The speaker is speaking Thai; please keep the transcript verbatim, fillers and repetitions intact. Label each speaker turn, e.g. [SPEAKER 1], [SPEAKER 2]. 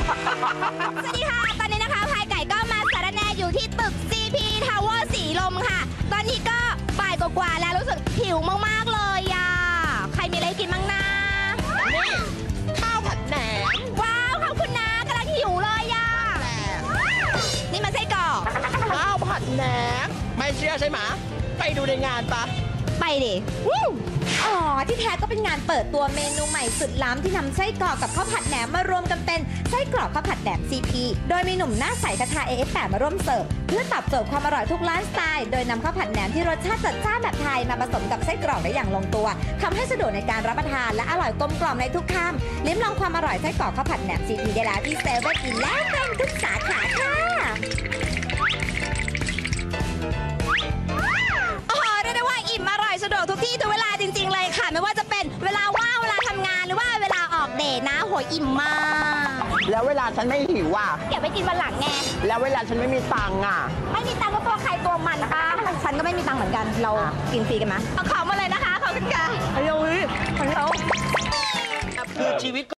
[SPEAKER 1] สวัสดีค่ะตอนนี้นะคะพายไก่ก็มาสารแนอยู่ที่ตึก ซี พี Tower สีลมค่ะตอนนี้ก็บ่ายกว่าๆแล้วรู้สึกหิวมากๆเลยอ่ะใครมีอะไรกินบ้างนะ
[SPEAKER 2] นี่ข้าวผัดแหนม
[SPEAKER 1] ว้าวขอบคุณนะกำลังหิวเลยอ่ะนี่มันไส้กรอก
[SPEAKER 2] ข้าวผัดแหนมไม่เชื่อใช่ไหมไปดูในงานปะ
[SPEAKER 1] ไปดิ
[SPEAKER 3] อ๋อที่แท้ก็เป็นงานเปิดตัวเมนูใหม่สุดล้ำที่นำไส้กรอกกับข้าวผัดแหนมมารวมกันเป็นไส้กรอกข้าวผัดแหนม ซี พี โดยมีหนุ่มหน้าใสคาทา เอ เอฟ แปด มาร่วมเสิร์ฟเพื่อตอบโจทย์ความอร่อยทุกไลฟ์สไตล์โดยนำข้าวผัดแหนมที่รสชาติจัดจ้านแบบไทยมาผสมกับไส้กรอกได้อย่างลงตัวทำให้สะดวกในการรับประทานและอร่อยกลมกล่อมในทุกคำลิ้มลองความอร่อยไส้กรอกข้าวผัดแหนม ซี พี ได้แล้วที่เซเว่นอีเลฟเว่นทุกสาขาค่ะ
[SPEAKER 1] อิ่มอร่อยสะดวกทุกที่ทุกเวลาจริงๆเลยค่ะไม่ว่าจะเป็นเวลาว่างเวลาทำงานหรือว่าเวลาออกเดทนะโหยอิ่มมาก
[SPEAKER 2] แล้วเวลาฉันไม่หิวอ่ะ
[SPEAKER 1] เก็บไปกินวันหลังไง
[SPEAKER 2] แล้วเวลาฉันไม่มีตังค์อ่ะ
[SPEAKER 1] ไม่มีตังค์ก็ตัวใครตัวมันป้าฉันก็ไม่มีตังค์เหมือนกันเรากินฟรีกันไหมเอาของมาเลยนะคะขอบคุณค่ะ
[SPEAKER 2] เฮ้ย
[SPEAKER 1] ฮัลโหล
[SPEAKER 2] คือชีวิต